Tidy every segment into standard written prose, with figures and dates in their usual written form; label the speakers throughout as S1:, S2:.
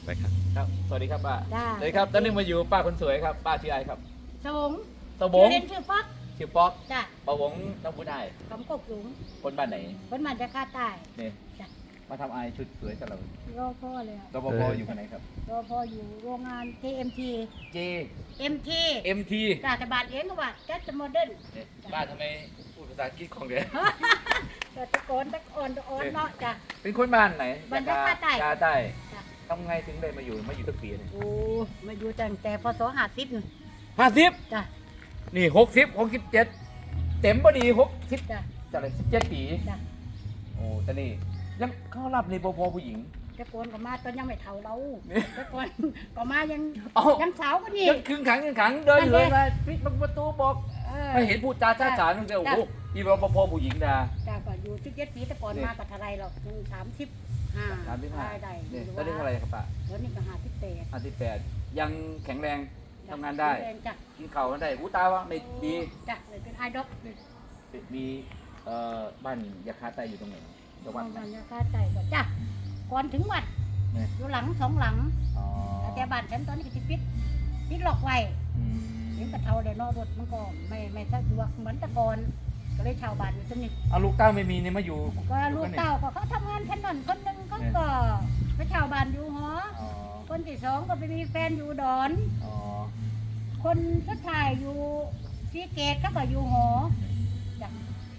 S1: ไปครับ
S2: ครับสวัสดีครับป้า
S3: จ้า
S2: สวัสดีครับตอนนี้มาอยู่ป้าคนสวยครับป้าชื่ออะไรครับ
S3: สวง
S2: ตะบง
S3: เรียนชื่อป๊อก
S2: ชื่อป๊อก
S3: จ้ะ
S2: ปะวงน้ำพุนาย
S3: คำกกสูง
S2: คนบ้านไหน
S3: คนมาจากภาคใต้
S2: เนี่ย
S3: จ้ะ
S2: มาทำอายชุดสวยกับเรา
S3: รอพ่อเลยอะ
S2: รปภอยู่กันไหนครับ
S3: รอพ่ออยู่โรงงาน TMT
S2: J
S3: MT
S2: MT
S3: จ้าแต่บาทเองก็ว่าจัดโมเดิร์น
S2: เนี่ยป้าทำไมพูดภาษาอังกฤษของเดียว
S3: แต่ตะโกนตะโอนตะโอนเนาะจ้ะ
S2: เป็นคนบ้านไหน
S3: บ้านยาใต้
S2: ยาใต้
S3: จ้ะ
S2: ทำไงถึงได้มาอยู่ตั้งปีเนี่ย
S3: โอ้มาอยู่ตั้งแต่พศ50
S2: 50
S3: จ้ะ
S2: นี่67เต็มพอดี60
S3: จ้ะ
S2: จะอะไร17 ปี
S3: จ้ะ
S2: โอ้แต่นี่ยังเข้ารับในปภผู้หญิง
S3: ตะโกนก็มาตอนยังไม่เท่าเรา
S2: นี่
S3: ตะโกนก็มายัง
S2: เอ้า
S3: ยังสาวก็นี่
S2: ยังครึ่งขังเดินอยู่เลยมาปิดประตูบอก
S3: เออ
S2: ไม่เห็นพูดจาช้าฉานนึกเลยโอ้โหอีรปภผู้หญิงดา
S3: จ้าก็อยู่17 ปีแต่ก่อน
S2: นี่
S3: มากับอะไรหรอกถึง35
S2: 35
S3: ได้
S2: เนี่ย
S3: อยู่
S2: ตอนนี้เท่าไหรครับป้า
S3: แล้วนี่ก็58
S2: 58ยังแข็งแรงทำงานได้
S3: จ้ะ
S2: กินข้าวกันได้อู้ตาวะไม่ดี
S3: จ้ะเลยเป็นไอดอล
S2: มีบ้านยาคาไตอยู่ตรงไหนจังหวัดไหน
S3: มันจะค่าใจก็จ้ะก่อนถึงวัด
S2: เนี่ย
S3: อยู่หลัง2 หลัง
S2: อ๋อ
S3: แต่บ้านฉันตอนนี้ก็จะปิดล็อกไว้
S2: อืม
S3: ถึงกระเทาเลยเนอกรถมันก็ไม่สะดวกเหมือนแต่ก่อนก็เลยชาวบ้านอยู่ตรงนี้
S2: เอาลูกเต้าไม่มีเนี่ยมาอยู่
S3: ก็ลูกเต้าก็เขาทำงานถนนคนหนึ่งเขาก็ไปชาวบ้านอยู่หอ
S2: อ๋อ
S3: คนที่สองก็ไปมีแฟนอยู่ดอน
S2: อ๋อ
S3: คนสุดท้ายอยู่ซีเกตก็อยู่หอจ้ะ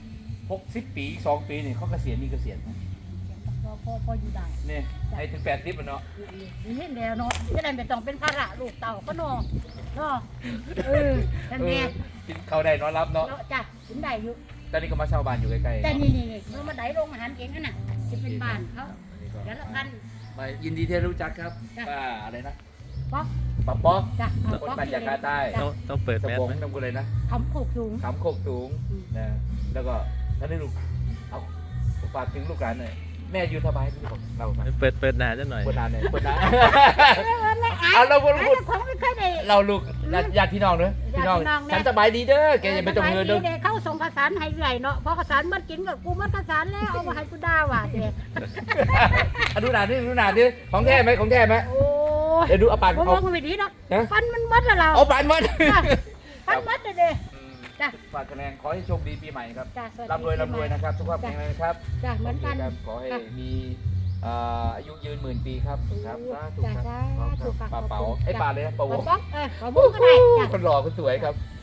S2: 60 ปีอีก2 ปีนี่เขาเกษียณมีเกษียณไหม
S3: พออยู่ได้
S2: เนี่ยให้ถึง80อ่ะเนาะ
S3: นี่แล้วเนาะจะได้ไม่ต้องเป็นภาระลูกเต่าก็เนาะเนาะนั่นแหละ
S2: กินข้าวได้นอนรับเนาะ
S3: เนาะจ้ะถึงได้อยู่
S2: ตอนนี้ก็มาเช่าบ้านอยู่ใกล้ๆ
S3: แต่
S2: เนาะ
S3: นี่เมื่อมาได้โรงอาหารเองนั่นน่ะจะเป็นบ้านเขา
S2: อันนี้ก็
S3: เดี๋ยวละพัน
S2: มายินดีที่ได้รู้จักครับ
S3: จ้ะ
S2: ป้าอะไรนะ
S3: ป๊อก
S2: ป้าป๊อก
S3: จ้ะ
S2: คนบ้านจากาใต้
S1: ต้องเปิด
S2: ส
S1: แมส
S2: มอง
S1: ไหม
S2: น้ำกุเลยนะ
S3: คำโคกสูง
S2: ขำโคกสูง
S3: อืม
S2: นะแล้วก็ท่านได้ลูกเอาฝากถึงลูกหลานหน่อยแม่อยู่สบายที่ผมเรามา
S1: เปิดหนาจะหน่อย
S2: เปิดนานหน่อยเปิดนาน
S3: ไม่อาย
S2: เอาเราพูด
S3: ไอ้เจ้าของไม่เคยได้
S2: เราลูกญาติพี่น้องเนอะพี่น้อง
S3: ญาติพี่น้องแม่
S2: ฉันสบายดีเด้อแกอย่าไปตรงเงินเด้อ
S3: สบายดีเขาส่งข้าวสารให้เรื่อยเนาะพอข้าวสารมันกินกับกูมันข้าวสารแล้วเอามาให้กูด่าว่ะเด็ก
S2: ดูหนาดิดูหนาดิของแท้ไหมของแท้ไหม
S3: โอ้ย
S2: เดี๋ยวดูเอาปาก
S3: ผม
S2: เอา
S3: มองไม่ดีเนาะ
S2: ฮะ
S3: ฟันมันมัดแล้วเรา
S2: เอาปากมัน
S3: ฟันมัดเลยเด้ จ้ะ
S2: ฝากคะแนนขอให้โชคดีปีใหม่ครับ
S3: จ้ะสวัสดี
S2: ร่ำรวยนะครับสุขภาพแข็งแรงนะครับ
S3: จ้ะเหมือนกัน
S2: โคครับขอให้
S3: ค่ะ
S2: มีอายุยืน10,000 ปีครับครับสาธุ
S3: จ้ะ
S2: ครับ
S3: สาธุค่ะ
S2: ปลาเป๋า
S3: ขอบคุณ
S2: ไอ้
S3: จ้ะ
S2: ปลาเลยนะปลา
S3: ป
S2: ว
S3: อง ป๊อกปลาบุ้งก็ได้จ้ะ
S2: คนหล่อคนสวยครับ